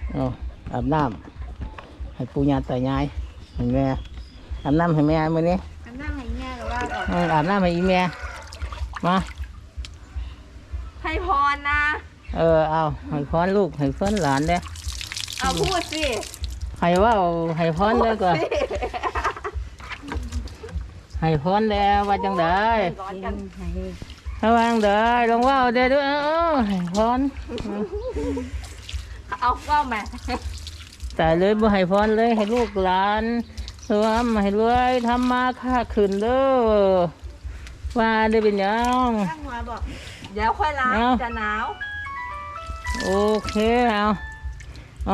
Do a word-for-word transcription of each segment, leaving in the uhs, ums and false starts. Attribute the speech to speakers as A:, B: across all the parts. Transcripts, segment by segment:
A: เอาอาบน้ำให้ปู่ย่าตายายให้แม่อาบน้ำให้แม่มื้อนี้
B: อาบน้ำให้แม่หรือว่าออก
A: เอออาบน้ำให้อีแม่มา
B: ให้พรนะ
A: เออเอาให้พรลูกให้พรหลานเด้อ
B: เอาพูดสิ
A: ให้ว่าให้พรเด้อก่อน
B: พูดสิ
A: ให้พรแล้วว่าจังได๋
B: ร้อนกัน
A: ระวังเด้อลองว่าเด้อด้วยเออให้พร
B: เอาว่าวแม่
A: แต่เลยบ่ให้พรเลยให้ลูกหลานสวมให้รวยทำมาค้าขึ้นเด้อว่าได้เป็นหยัง
B: ตั้งหัวบอกเดี๋ยวค่อยล้าง
A: เอา
B: จะหนาว
A: โอเคเอาเอา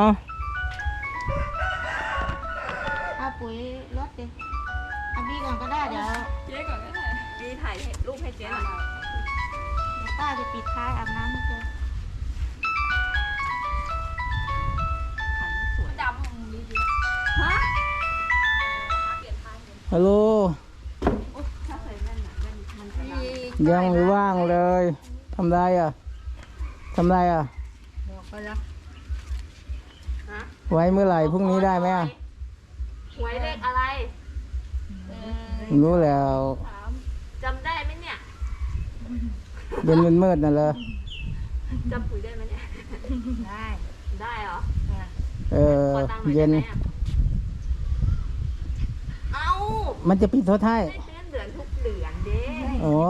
C: เอาปุ๋ยรถดิเอาบีก่อนก็ได้เดี๋ยว
B: เจ๊ก่อนก็ได้ดีถ่ายรูปให้เจ๊หน่อย
C: เดี๋ยวป้าจะปิดท้ายอาบน้ำให้เธอ
B: ดำดีดีฮะ
A: ฮัลโหล
B: ถ้าใส่แว่นหนาแว่นมันจะด
A: ยังไม่ว่างเลยทำไรอ่ะทำไรอ่ะ
B: ำบอกไปแล้วฮะ
A: ไว้เมื่อไหร่พรุ่งนี้ได้ไหมอ่ะ
B: หวยเลขอะไรเออ
A: รู้แล้ว
B: ถามจำได้ไหมเนี่ย
A: เย็นมืดๆน่ะเลย
B: จำปุ๋ยได้ไหมเนี่ย
C: ได้
B: ได้เหรอ
A: เออ
B: ขอตังค์หน่อย
A: เย็
B: ได้
A: น
B: ไหมอะเอ้า
A: มันจะปิดโทษท้าย
B: ได้เดือนเดือนทุกเดือนเด้
A: โอ้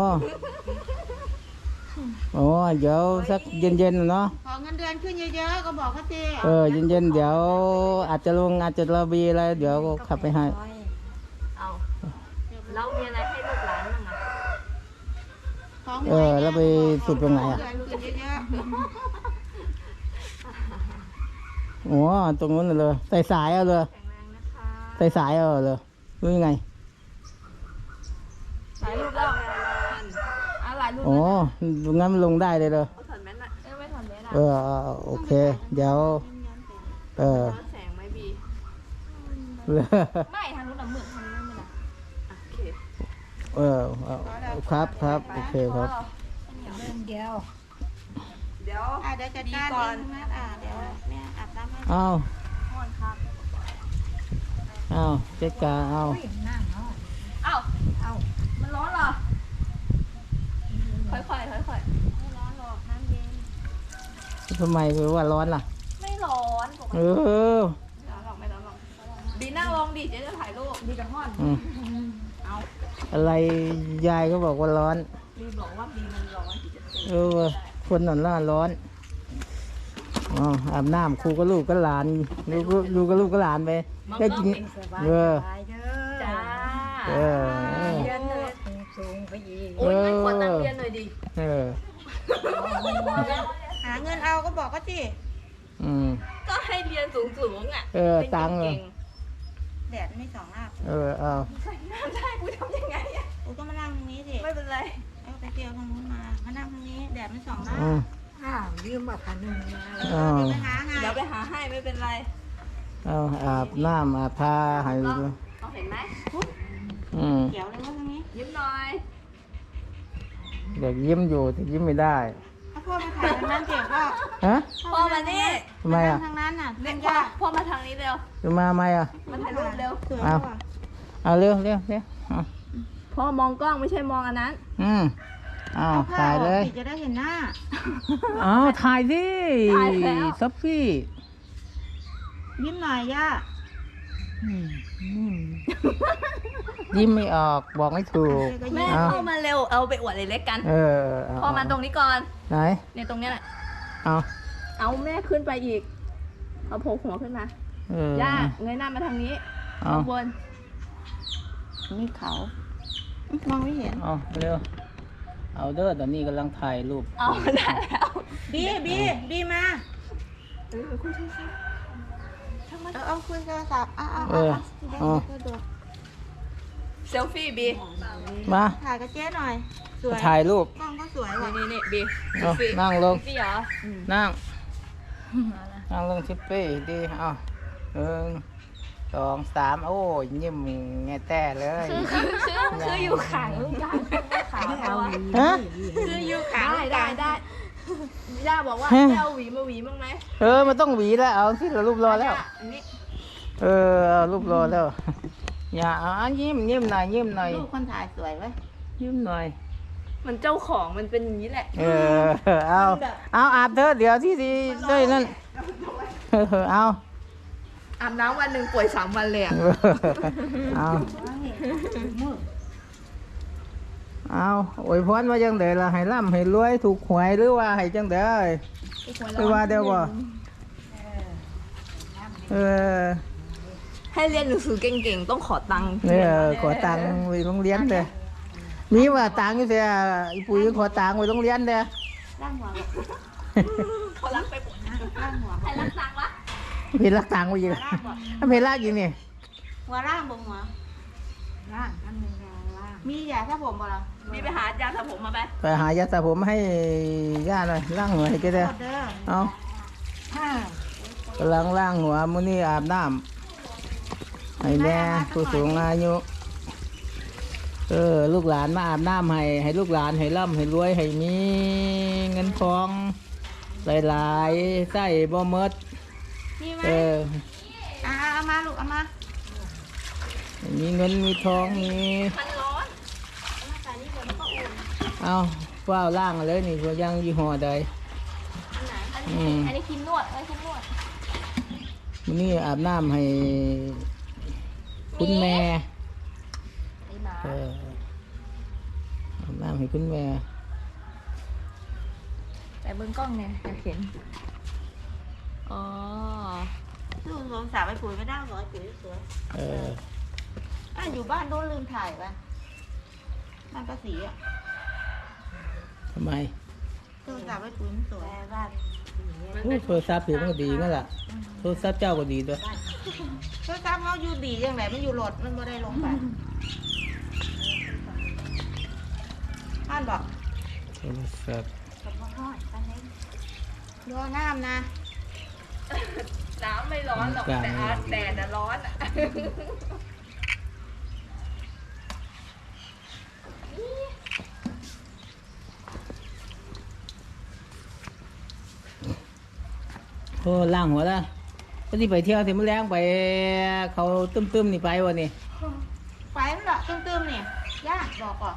A: โอ้เดี๋ยวสักเย็นๆน่ะเนาะ
C: ขอเงินเดือนขึ้นเยอะๆก็บอกเขาสิ
A: เออเย็นๆเดี๋ยวอาจจะลงอาจจะระบีอะไรเดี๋ยวก็ขับไปให้
B: เอาแล้วมีอะไรให้ลูกหลานบ้างอะ
C: ของ
A: เออแล้วไปสุดตรงไหนอ่ะ
C: เดือนขึ้นเยอะ
A: โอ้ตรงนู้นน่ะเลยใส่สายเอาเลย
B: แข็งแรงนะคะ
A: ใส่สายเอาเลยรู้ยังไง
B: ถ่ายรูปแล้วอ่ะหลายรูป
A: โอ้งั้นมันลงได้เลยเลย
B: เอาถอดแมสหน่อยเอ้ยไม่ถอดแมสอ่ะ
A: เออเอาโอเค เดี๋ยว เออ
B: ย้อนแสงไหมบี ไม่ทางนู้นน่ะมืดทางนู้นไม่ละโอเค
A: เออเอาครับครับโอเคครับ
C: เดียว
B: เดี๋ยว
C: อ่ะเดี๋ยวจัดการ
B: ก่อน
C: เองนะอ่ะเดี๋ยวแม่อาบน้ำให้
A: เอา
B: ก่อนครับ
A: เอาเจ๊กาเอา
B: เอ้าเอ้ามันร้อนเหรอค่อยๆค่อย
C: ไม่ร้อนหรอกน้ำเย็น
A: ทำไมคือว่าร้อนล่ะ
B: ๆไม่ร้อนปก
A: เอ
B: ติ
A: อ
B: ไม่ร้อนหรอกไม่ร้อนหรอกบีนั่งลงดิเจ๊จะถ่ายรูปบีกับห้อน
A: อืม
B: เอา
A: อะไรยายก็บอกว่าร้อน
B: บีบอกว่าบีมันร้อนบีจะเป็น
A: เออคนนั่นล่ะร้อนอ๋ออาบน้ำครูก็ลูกก็หลานลูกก็ลูกก็ลูกก็หลานไปได้กินเออ
B: จ้า
A: เออเออ
B: เรียนเลยโอ้ยไม่ควรตั้งเรียนหน่อยดิ
A: เออ
C: หาเงินเอาก็บอกเขาสิ
A: อืม
B: ก็ให้เรียนสูงๆอ่ะ
A: เออตังค์เหรอ
B: เก่ง
C: แดดไม่ส่องหน้า
A: เออเอา
B: ๆใส่น้ำได้กูทำยังไงอ่ะ
C: กูก็มานั่งตรงนี้สิ
B: ไม่เป็นไร
C: เอาไปเที่ยวทางนู้นมามานั่งตรงนี้แดดไม่ส่องหน้า
A: อืม
C: อ้าวยืมบัตรพันหนึ่งมา
A: เอา
C: เดี๋ยวไปหาไง
B: เดี๋ยวไปหาให้ไม่เป็นไร
A: เอาอาบน้ำอาบผ้าให้
B: ล
A: ดู
B: องเอาเห็นไหม
A: อืม
C: เขียวเลยว่าตรงนี้
B: ยิ้มหน่อย
A: เด็กยิ้มอยู่แต่ยิ้มไม่ได้
C: ถ้าพ่อมาถ่ายทางนั้นเจ็บว่า
A: ฮะ
B: พ่อมานี่
A: ทำไมอ่ะ
C: ทางนั้นน่ะ
B: เรี
C: เล่
B: ยก
C: น
B: พ่อย
C: าก
B: พ่อมาทางนี้เร็ว
A: จะมาไหมอ่ะ
B: มาถ่ายรูปเร็ว
C: สวย
A: เอา
C: ว่ะ
A: เอาเร็วเร็วเร็วเอา
B: พ่อมองกล้องไม่ใช่มองอันนั้น
A: อืมเอา
C: เอาผ้า
A: ถ่าย
C: อ
A: เล
C: อก
A: ย
C: สิจะได้เห็นหน้า
A: เอาถ่ายสิ
B: ถ่ายแล้ว
A: ซอฟฟี่
C: ยิ้มหน่อยย่า
A: อืมอืมยิ้มไม่ออกบอกไม่ถูก
C: ก็
B: แม่
C: ยิ้ม
B: เข้ามาเร็วเอาไปอวดเล็กๆกัน
A: เออเา
B: พ่อมาตรงนี้ก่อน
A: ไหน
B: เนี่ยตรงเนี้ยแหละ
A: เอา
B: เอาแม่ขึ้นไปอีกเอาโผล่หัวขึ้นมา
A: เออย่
B: าเงยหน้ามาทางนี้
A: เอา
B: ข้างบน
C: นี่เขามองไม่เห็น
A: เอาเร็วเอาเด้อตอนนี้กำลังถ่ายรูป
B: เอาได้แล้ว
C: บีบีบีมา
B: เออคุยโทรศัพท์
C: เออเอาคุยโทรศัพท์เอาเอา
A: เอ
C: เอา
A: อ
C: เอา
A: เอา
C: ดู
B: เซลฟี่บี
A: มา
C: ถ่ายกับเจ๊หน่อย สวย
A: ถ่ายรูป
C: กล้องก็สวยว่ะ
B: นี่นี่บี
A: เอานั่งลง
B: นี่เหรอ
A: นั่งนั่งลงชิปปี้ดีเอาหนึ่งสองสามโอ้ยยิ้มแง่แต่เลย
B: คือคือคือคืออยู่ขางลูกกลางขางเขาอะ
A: ฮะ
C: คืออยู่ขา
B: ได้ได้ได้ย่าบอกว่าจะเอาหวีมาหวีบ้างไหม
A: เออมันต้องหวีแล้วเอาสิเรารูปรอแล้ว
B: อันนี้
A: เออเอารูปรอแล้ว อย่าเอายิ้มยิ้มหน่อยยิ้มหน่อย
C: ลูกคนถ่ายสวยไว้ย
A: ยิ้มหน่อย
B: มันเจ้าของมันเป็นอย่างนี้แหละ
A: เออเอาเอาอาบเถอะเดี๋ยวที่ที่ด้วยนั่นเออเอา
B: อาบน้ำวันหนึ่งป่วยสามวันเลยอ่ะ
A: เออเอาเอาอวยพรว่าจังเด๋ล่ะให้ร่ำให้รวยถูกหวยหรือว่าให้จังเด๋หรือว่าเดี๋ยวบ่เออ
B: ให้เรียนหนังสือเก่งๆต้องขอตังค์
A: เนี่ยขอตังค์ไปโรงเรียนเด้อมีว่าตังค์อยู่เสียอีปุ๋ยขอตังค์ไปโรงเรียนเด้อ
C: ร่างหัวลูก
B: เขารักไปหมด
C: ร่างหัว
B: ใครรักตังค์วะ
A: เพลรักตังค์ไปอยู่ถ้าเพลรักอยู่นี่
C: หัวร่างบงหัวร่างอันนึงร่างมียาถ้าผมบ่ล่ะ
B: มีไปหายาสระผมมาไป
A: ไปหายาสระผมให้ย่าหน่อยล้างหัวให้แกเด้อ
C: โทษเด้อ
A: เอา
C: ห้าก
A: ำลังล้างหัวมื้อนี้อาบน้ำให้แม่ผู้สูงอายุเออลูกหลานมาอาบน้ำให้ให้ลูกหลานให้ร่ำให้รวยให้มีเงินทองหลายๆใส่บ่หมด
C: มีไหม
A: เออ
C: อ่าเอามาลูกเอามา
A: ให้มีเงินมีทองมี
B: มันร้อน
A: เอาว้าวล่างเลยนี่ก็ยังยี่ห้อใด
B: อันไหนอัน
A: อื
B: นี้
A: ม
B: อันนี้ครีมนวดอันนี้ครีมนวด
A: มื้อนี้อาบน้ำให้คุณแม่
B: ไอ้หมา
A: เอออาบน้ำให้คุณแม่
B: แต่เบิ้งกล้องเนี่ยอยากเห็นอ๋อ
C: ลูกสงสารไปปุ๋ยไม่ได้หรอไอ้ปุ๋ยสวย
A: เออ
C: อ่ะอยู่บ้านโดนลืมถ่ายไปบ้านป้าศรีอ่ะ
A: ทำไม
C: โทรศัพท์ไปปุ๋ยมันสวยบ้าน
A: โอ้โทรศัพท์ถือมันก็ดีนั่นแหละโทรศัพท์เจ้าก็ดีด้วย
C: โทรศัพท์เขาอยู่ดียังไงมันอยู่โหลดมันไม่ได้ลงไปท่านบอก
A: โทรศัพท์
C: ดูน้ำนะ
B: น้ำไม่ร้อนหรอกแต่อาแดดน่ะร้อนอ่ะ
A: โอ้ล่างหัวแล้วก็ที่ไปเที่ยวที่มื้อแรงไปเขาตึ้มๆนี่ไปวะนี่
C: ไปมันเหรอตึมๆเนี่ยยากบอกก่อน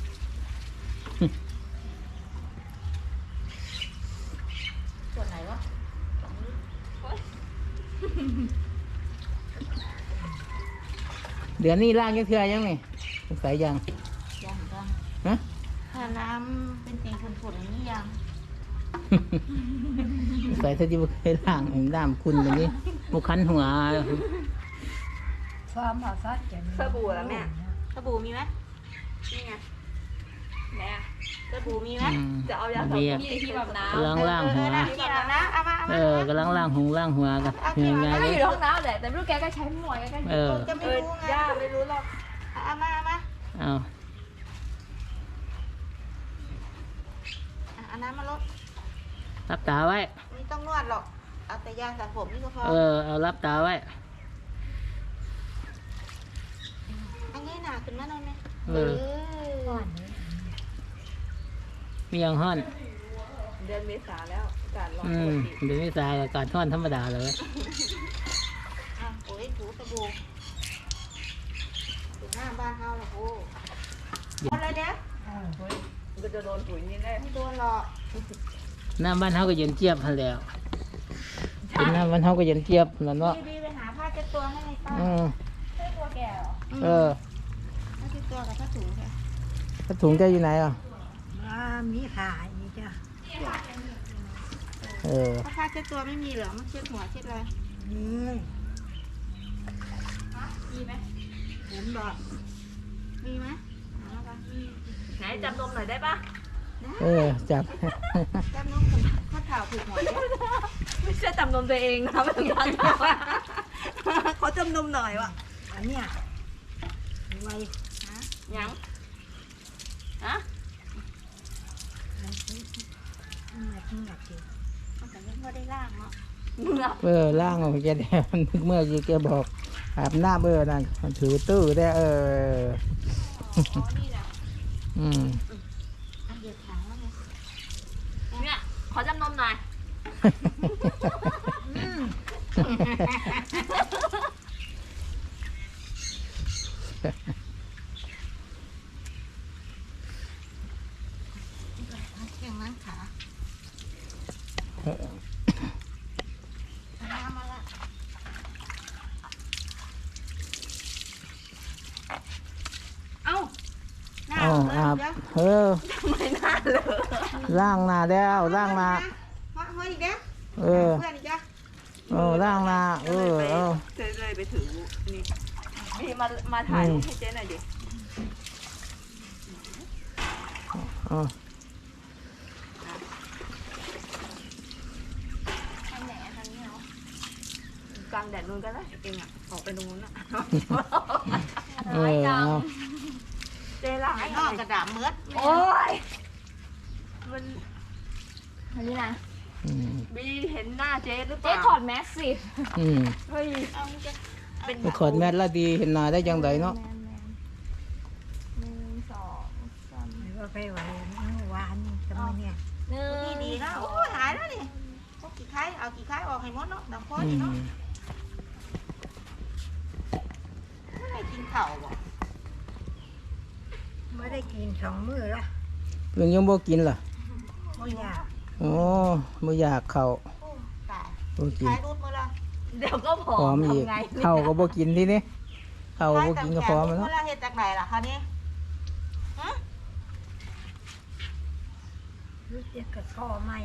C: ส่วนไหนวะ
A: เดือนนี้ล่างยังเทื่อยังนี่สงสัยยัง
C: ยังยัง
A: ฮะ
C: ถ้าน้ำเป็นสีฝุ่นๆอย่างนี้ยัง
A: สงสัยถ้าที่บ่เคยล่างเห็นน้ำคุณแบบนี้มุคันหัว
B: สบู่แล้วแม่
C: สบู่มีไหม
B: นี่ไงแม่
C: สบู่มีไหม
A: อืม
B: จะเอายาสระ
A: เบี
B: ผ
A: ย
B: มที่ที่แบบน้ำ
A: กำลังล่างหัว
C: เออเออที่อาบน้ำเอามาเอา
A: เอ
C: มา
A: อกำลังล่างหงล่างหัวกันยังไง
B: ก็
A: เล
B: อย ยู่ในห้องน้ำแหละแต่ไม่รู้แกก็ใช้หมวยแกก็
A: เออ
C: จะไม่
B: เออ
C: รู้ไง
B: ย่าไม่รู้หรอก
C: เอามาเอามา
A: เอา
C: อ่ะเอาน้ำมาลด
A: รับตาไว้
C: ไม่ต้องนวดหรอกเอาแต่ยาสระผมนี่ก็พอ
A: เออเอารับตาไว้
C: อันนี้หนาขึ้นมาหน่อยไหม
A: เออ มีอย่างห้อน
B: เดือนเมษาแล้วอากาศร้อน
A: อื
B: ป
A: ม
B: กติ
A: เดี๋ยวนี้ตายอากาศห้อนธรรมดาเลย
C: อ่ะโอ้ยถูสบู่ถูหน้าบ้านเฮาหรอกโอ้คนอะไรเนี่ย
B: มันก็จะโดนปุ๋ยนี่แน่
C: ไม่โดนหรอก
A: น้ำบ้านเฮาก็เย็นเจี๊ยบพันแหล้วเป็นน้ำบ้านเฮาก็เย็นเจี๊ยบนั่นเนาะ
C: บีไปหาผ้าเช็ดตัวให้ในป้า
A: อืม
B: ใช่ตัวแก่เหรอ
A: เออ
C: ผ้าเช็ดตัวกับผ้าถุงค่ะ
A: ถ้าถุงเจ้าอยู่ไหนอ่ะ
C: มีขายจ้ะ
A: เออ
C: ถ้าผ้าเช็ดตัวไม่มีเหรอมันเช็ดหัวเช็ดอะไร
B: มีไหม
C: เห็นบอกมีไหมหาปะมี
B: ไหนจำนมหน่อยได้ปะ
A: เออจับ
C: จำน้องคนข้าวเท้าผูกหัวเนี่ย
B: ไม่ใช่จำนมตัวเองนะไม่ต้องการเขาจำนมหน่อยวะ
C: อันเนี้ยไวฮะ
B: ยังฮะ
C: มันแต่ยังไม่ได้ล่างเนาะ
B: เหงือก
A: เออล่างของแกแดงนึกเมื่อกี้แกบอกอาบน้ำเออนั่นมันถือตื้อได้เออ
B: อ๋อนี่แหละ
A: อืม
C: อันเดียวถังแล้วไง
B: เนี่ยำหน่อย
C: เก่งมั้งขามาละ
B: เอ้า
C: หน้า
A: เอาอาบ
C: เดี๋ยว
A: เออ
B: ไม่น่าเลย
A: ล้างหน้าแล้วล้างหน้า
C: มาเฮ้ยอีกเด้อ
A: เออ
C: เพื่อนอีกจ้ะ
A: เออล้างหน้าเออเอา
B: เจ๊เลยไปถือนี่พี่มามาถ่ายรูปให้เจ๊หน่อยดิ
A: เอา
B: ทางไหนอะทางนี้เหรอกลางแดดนู้นก็ได้เองอ่ะออกไปตรงนู้นอ่ะ
A: เออเอา
B: เจ๊ล้าง
C: ไอ้
B: ไอ้
C: นอกกระดาษเมือด
B: โอ้ยมันอันนี้นะ
A: อืม
B: บีเห็นหน้าเจ๊หรือเป
D: เจ๊
B: ล่า
D: ถอดแมสสิ
A: อืม
B: เฮ้ย
C: เอาจ้ะ
B: เป็น
A: ไปขอดแมทละดีเห็นหน้าได้ยังไงเนาะ
D: แมนแมนหนึ่งสองสาม
E: ว่าไปไหวเมื่อวานจะมาเนี่ย
D: หนึ่
C: นี่
D: ง
C: ดีนะโอ้ยหายแล้วนี่พวกกี่ไข่เอากี่ไข่ออกให้หมดเนาะน้ำข้อ
A: อื
C: นี่
A: ม
C: เนาะให้กินข้าวบ่
E: ไม่ได้กินสองมื้อละ
A: เรื่องยังบ่กินล่ะ
E: ไม่อยาก
A: โอ้บ่อยากเข้า
C: โอ้ตาย
A: บ่กิน
C: ไข่รูดมือละ
B: เดี๋ยวก็ผอ
A: พร้อ
B: ม
A: มอีก
B: ทำไง
A: เข้าก็บ่กินทีนี้เข้าก็บ่กินก็พร้อม
C: แล้
A: แล้ว ว
C: เฮ็ดจากไหนล่ะคะนี่ฮะ
E: รู้จักกับพ่อไม่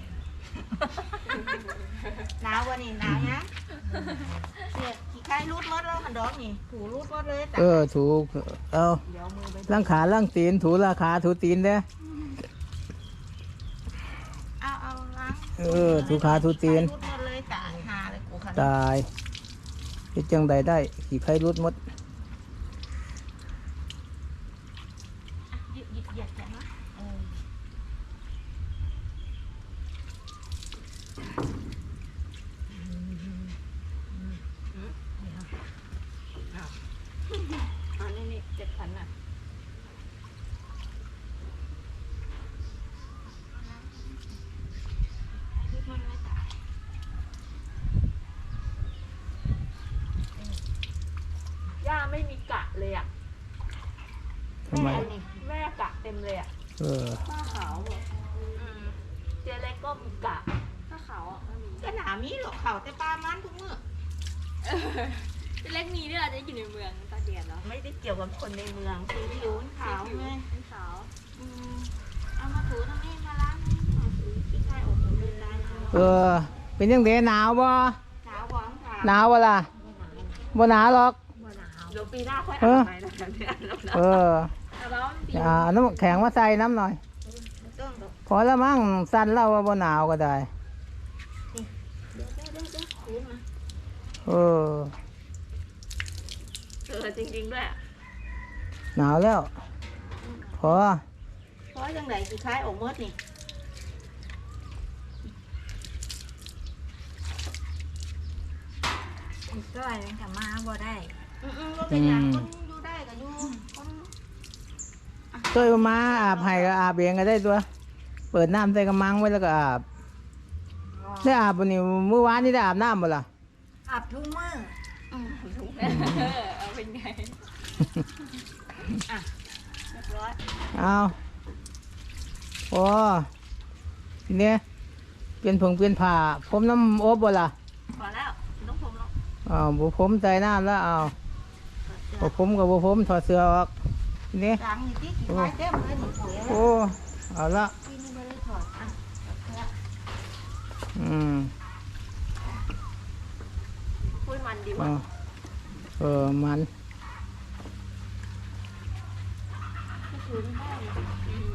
C: หนาววันนี้หนาวยังเนี่ยขี้ไข่รูดหมดแล้วมันดอกนี่ถูรูดหมดเลยแต่
A: เออถูกเอา
C: เดี๋ยวมือไป
A: ล้างขาล้างตีนถูราขาถูตีนเด้อ
C: เอาเอาล้าง
A: เออถูขาถูตีน
C: รูดหมดเลยตายหาเลยกูค่ะ
A: ตายเฮ็ดจังใดได้ขี้ไข่รุดหมด
C: หยิบหยิบหยิบจังนะเออ
B: อันนี้นี่เจ็ดพันอ่ะย่าไม่มีกะเลยอ่ะ
A: ทำไม
B: แม่กะเต็มเลยอ่ะ
A: เออ
B: ผ้าขาวหมดอืมเจ๊เล็กก็มีกะผ้าขาวอ่ะก็มี
C: ก็หนามีหรอกเขาแต่ปลามันทุกมื้อ
D: เจ๊เล็กมีด้วยเหรอเจ๊อยู่ในเมืองตาเดียนเหรอ
C: ไม่ได้เกี่ยวกับคนในเมืองคือผิวขาวไง
D: เป็นขาว
C: อืมเอามาถูตรงนี้มาล้างนี่เอาถูที่ใครออกหมดเลยตายหนาว
A: เออ เป็นยังไงหนาวบ่
C: หนาวหวังขาว
A: หนาวบ่ล่ะบ่หนาวหรอก
B: เดี๋ยวปีหน้าค่อย
A: เอ
B: อ่า
A: อ
B: นไปแล้วเนี่ยแล้วนะ
A: เออ
D: แต่ว่ามันปี
A: อ่าน้ำแข็งมาใส่น้ำหน่อย
C: ไม่ต้องหรอก
A: พอแล้วมั้งสั้นเล่าว่าบ่หนาวก็ได้
C: เดี๋ยวเดี๋ยวเดี๋ยวเดี๋ยวถูมา
A: เออ
B: เออจริงๆด้วยอะ
A: หนาวแล้ว พอ
C: เพราะยังไงคือใครออกหมดนี่
E: อีกต้อยมันก็มาบ่ได้
C: อืมอืมก็เป็นอย่างคนอยู่ได้ก็อยู่คน
A: ช่วยมาอาบให้ก็อาบเองก็ได้ตัว เปิดน้ำใส่กระมังไว้แล้วก็อาบ ได้อาบวันนี้เมื่อวานนี่ได้อาบน้ำบ่ล่ะ
E: อาบทุกมื้อ
C: อืม
D: เออเอาเป็นไง
C: เรียบร้อย
A: เอาพอทีนี้เปลี่ยนผงเปลี่ยนผ้าผมน้ำอบบ่ล่ะ
C: พอแล้วต้องผมแล้ว
A: อ้าวบุผมใส่น้ำแล้วเอาบุผมกับบุผมถอดเสื้อออกทีนี้
C: ล้างนี่ที่ขี้ไข่เต็มเลยนี่ปุ๋ย
A: โอ้เอาละ
C: ที่นี่ไม่ได้ถอดอ่ะเอาเถอะ
A: อืม
B: พูดมันดี
A: เอา
B: ว่ะ
A: เออมัน
C: คืนให้
B: อืม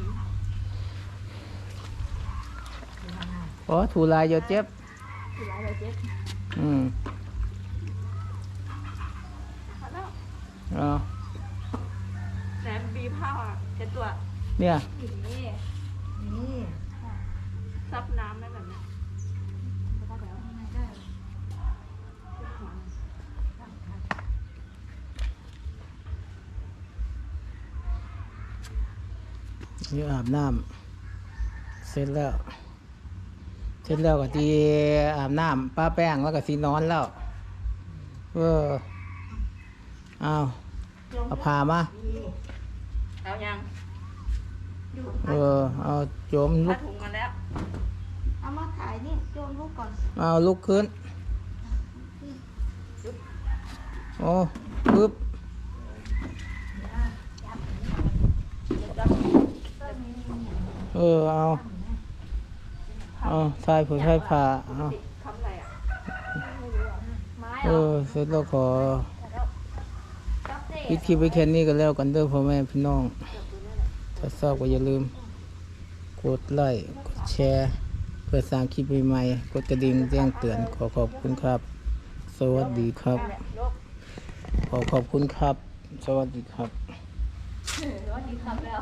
A: พอถูลายเยอะเจ็บ
D: ถืออะไรเจ๊
A: อืม
B: พอแล้ว
A: เอา
B: แหนมบีผ้าเช็ดตัว
A: เนี่ย
D: นี่
E: นี่
B: ซับน้ำได้แบบเนี้ย
A: นี่อาบน้ำเสร็จแล้วเสร็จแล้วก็ทีอาบน้ำป้าแป้งแล้วก็สีนอนแล้วเออเอาเอาผ้ามา
C: เอายัง
A: เออเอาโจมลุ
C: ผ้าก ถุงมาแล้ว
B: เอามาถ่ายนี่โยนลูกก่อน
A: เอาลุกขึ้นโอ้ปึ๊บเออเอาเอาใส่ผืนใส่ผ้าเอา
C: ทำอะไรอ่ะ
B: ไม้
A: เอ
B: เหรอ
A: อเสร็จแล้วขอ
B: จับเด็
A: ปิดคลิปไว้แค่นี้ก็แล้วกันเด้อพ่อแม่พี่น้องถ้าชอบก็อย่าลืมกดไลค์กดแชร์เพื่อสร้างคลิปใหม่ๆกดกระดิ่งแจ้งเตือนขอขอบคุณครับ สวัสดีครับ ขอขอบคุณครับ สวัสดีครับ
B: ว่าดีครับแล้ว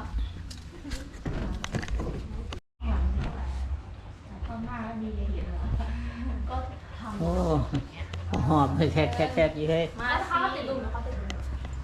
A: โอ้หอบเลยแทกแทกแทกยี่เฮ้ย
B: มาเขาติดลุมเขาติดลุม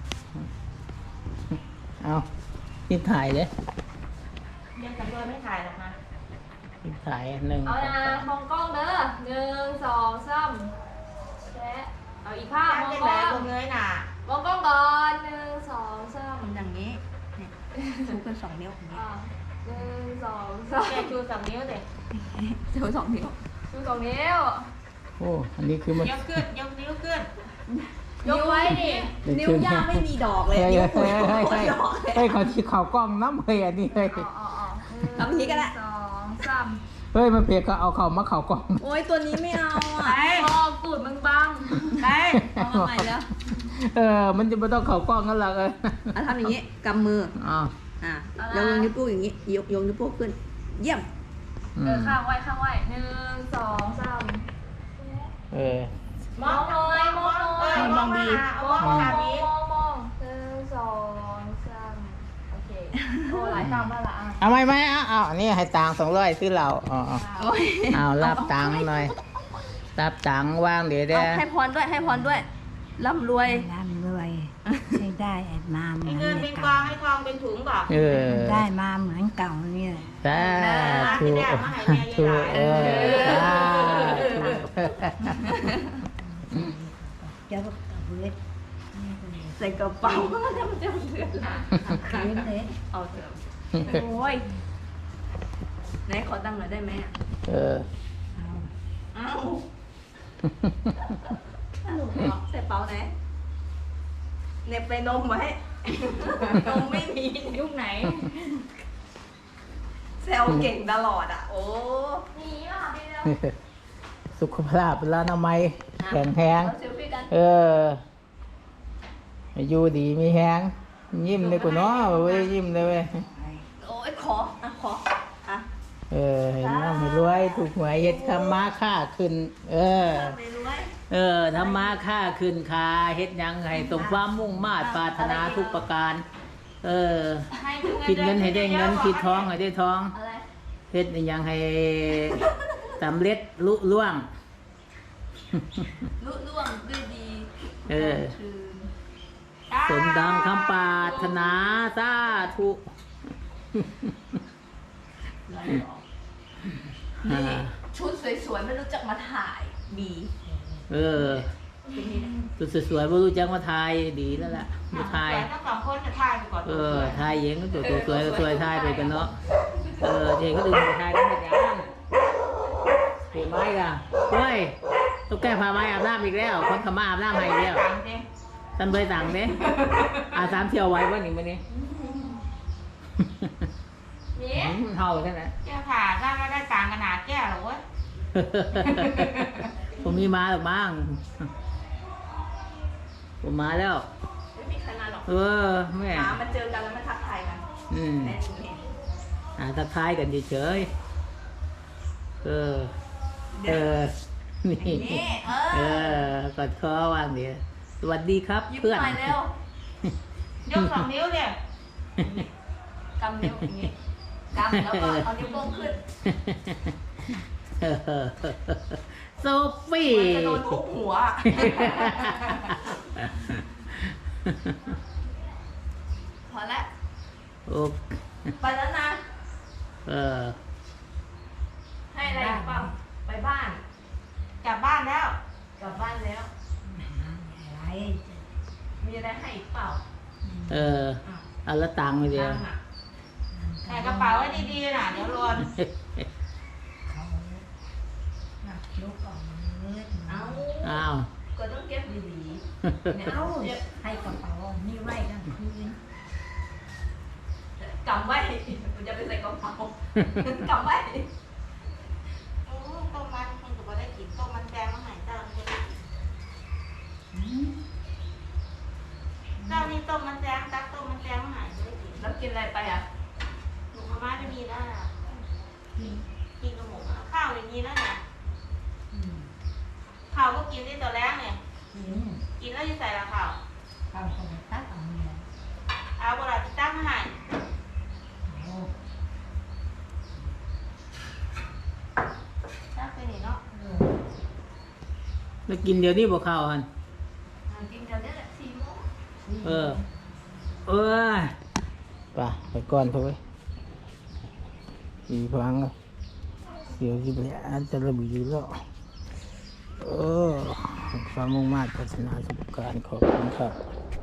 A: เอานี่ถ่ายเลย
C: เรียนกับด้วยไม่ถ่ายหรอกนะ
A: นี่ถ่ายหนึ่ง
B: เอานะมองกล้องเด้อหนึ่งสองสามแชะเอาอีกภาพมอง
C: เป็น
B: ก
C: แหล
B: ล้
C: ก
B: อง
C: ตรงเงยน่ะ
B: มองกล้องก่อนหนึ่งสองสาม
C: อย่างนี้เนี่ยชูกันสองนิ้วอย่างนี้
B: อ่าหนึ่งสองสาม
C: แกชูสองนิ้วเด็กชูสองนิ้ว
B: ชูสองนิ้ว
A: โอ้อันนี้คือมัน
C: ยกขึ้นยกนิ้วขึ้น
B: ยกไว้ดิ
C: นิ้วย่างไม่มีดอกเลย
A: เฮ้ย
C: นิ้ว
A: เฮ้
C: ปุ๋
A: ย
C: ย
A: เฮ้ย
C: โคตรดอกเลย
A: เฮ้ยเขาที่เขากล้องน้ำเฮ้ยอันนี้เฮ้ย
B: อ๋ออ๋ออ๋อ
C: ทำอย่างนี้ก็ได้
B: หนึ่งสองสาม
A: เฮ้ยมันเพียกก็เอาเขามาเขากล้อง
C: โอ้ยตัวนี้ไม่เอา
B: ไป
C: อ่ะ
B: มองตูดมึงบัง
C: ไปเอามาใหม่แล้ว
A: เออ มันจะไม่ต้องเขากล้องกันหรอกเออ
C: เอาทำอย่างนี้กำมือ
A: อ้าว
C: อ่ะแล้วยกนิ้วโป้งอย่างนี้ยกยกนิ้วโป้งขึ้น เยี่ยม
A: อื
B: เออ
A: ม
B: ข้างไว้ข้างไว้หนึ่งสองสาม
A: เออ
B: มองหน่อยมองหน่อย
C: มองดี
B: มองมองมองมองมองหนึ่งสองสามโอเคโอ้หลายตามมาละอ่ะ
A: เอาไหมไหมเอาเอาอันนี้ให้ตังค์สองร้อยซื้อเราอ๋ออ๋อ
C: โอ้ย
A: เอารับตังค์หน่อยรับตังค์ว่างเดี๋ยว
C: เอา
A: เด้อ
C: ให้พรด้วยให้พรด้วยร่ำรวย
E: ร่ำรวยให้ได้มาเหมือน
C: เงินเป็นกอ
E: เก่าง
C: ให้ทองเป็นถุงก่อน
A: เออ
E: ได้มาเหมือนเก่านี่แหละ
A: สาธุธุเออสาธุ
E: เจ้ากับเวท
C: ใส่กระเป๋ามันจะมันจะเดือดร้อน
E: คืนเลย
C: เอาเถอะโอ้ยไหนขอตังค์หน่อยได้ไหมอ่ะ
A: เออ
C: เอ้าใส่เป๋าไหนเหน็บไปนมไว้นมไม่มี
B: ยุคไหน
C: แซวเก่งตลอดอ่ะ โอ้
B: หนีป่ะพี่เร็ว
A: สุขภาพร้านอนามัยแข็งแรง
B: เราเซลฟี่กัน
A: เอออยู่ดีมีแฮงยิ้มเลยกูเนาะเว้ยยิ้มเลยเว้ย
C: โอ้ยขออ่ะขออ่ะ
A: เออให้ร่ำให้รวยถูกหวยเฮ็ดทำมาค่าขึ้น เออ
C: ไม่รวย
A: เออทำมาค่าขึ้นคาเฮ็ดหยังให้สมความมุ่งมาตรปรารถนาทุกประการ เออ
B: ให้ถึง
A: คิดเงินให้ได้เงินคิดทองให้ได้ทอง
B: อะไร
A: เฮ็ดหยังให้สำเร็จลุล่วง
C: ลุล่วงด้วยดี
A: เออ
C: คือ
A: สมดังคำปรารถนาสาธุ
C: นี่ชุดสวยๆไม่รู้จักมาถ่ายบี
A: เออสุดสวยๆบ่รู้จักมาทายดีแล้วล่ะมาทาย
C: ทั้งสองคนจะถ่ายไปก่อน
A: เออทายเองก็ตัวตัวสวยก็สวยทายไปกันเนาะเออเด็กก็ดึงทายกันหมดยังเห็นไหมล่ะเฮ้ยตุ๊กแกพาไม้อาบน้ำอีกแล้ว คนขมาอาบน้ำให้อีกแล้วท่านเบยสั่งเด้อาสามเที่ยวไว้ว่าหนิมื้อนี้
B: นี่
A: อืมเฮาใช่ไหม
C: แก้วผ่าได้ก็ได้ต่างขนาดแก้วหรอวะ
A: ผมมีมาหรือบ้าง ผมมาแล้ว
C: ไม่มีใครมาหรอก
A: เออแม่
C: หามาเจอกันแล้วมาทักทายกัน
A: อืม
C: แน่นี่
A: อ่าทักทายกันเฉยๆเออ เออ นี่
C: นี่เอ
A: เอ
C: อ
A: อกอดคอวางเดียวสวัสดีครับ
C: ยิ้ม
A: เพื่อน
C: หน่อยเร็ว ยกสองนิ้วเนี่ยกำนิ้วอย่างนี้กำแล้วก็เอานิ้วโป้งขึ้น
A: โซฟี่
C: มันจะโดนทุบหัว พอแล้ว
A: โอ้
C: ไปแล้วนะ
A: เออ
B: ให้อะไรอีกเปล่า
C: บ้านกลับบ้านแล้วกลับบ้านแล้ว
E: อะไร
C: มีอะไรให้อีกเปล่า
A: เออเอาละตังค์ไปเดียว
C: ตังค์อะใส่กระเป๋าไว้ดีๆน่ะเดี๋ยวรวน
E: เขาหนักยกออกมาเลือด
C: เอา
A: อ้าว
C: ก็ต้องเก็บดีๆเนี่ย
E: เอา
C: เก็บ
E: ให้กระเป๋านี่ไว้กลางคืน
C: กำไว้มันจะไปใส่กระเป๋ากำไว้โอ้ต้มมันมันก็บ่ได้กินต้มมันแดงมาใหายเจ้ามันก็ได้กิน
E: อืม
C: เจ้านี่ต้มมันแดงตักต้มมันแดงมาใหายไม่ได้กินแล้วกินอะไรไปอ่ะหนูมาม่าไม่มีแล้วน่ะ
E: กิน
C: กินกับหมูอะข้าวอย่างนี้แล้วเนี่ย
E: อืม
C: ข้าวก็กินได้ตัวแรกเนี่ย
E: กิน
C: กินแล้วจะใส่ละข้าว
E: ข้าวของตักเอาเนี่ย
C: เอาเวลาที่ตั้งมาใหาย
E: โอ้
C: ตั้งไปนี่เนาะ
E: เออ
A: แล้วกินเดี๋ยวนี้บ่เข้าวหัน
C: อ่ากินเดี๋ยวนี้แหละสี่โมง
A: เออ เออไปไปก่อนเถอะเว้ยอีพังเลยเสียวที่ไปอาจจะระบีแล้วเออความมุ่งมั่นพัฒนาสุขการขอบคุณครับ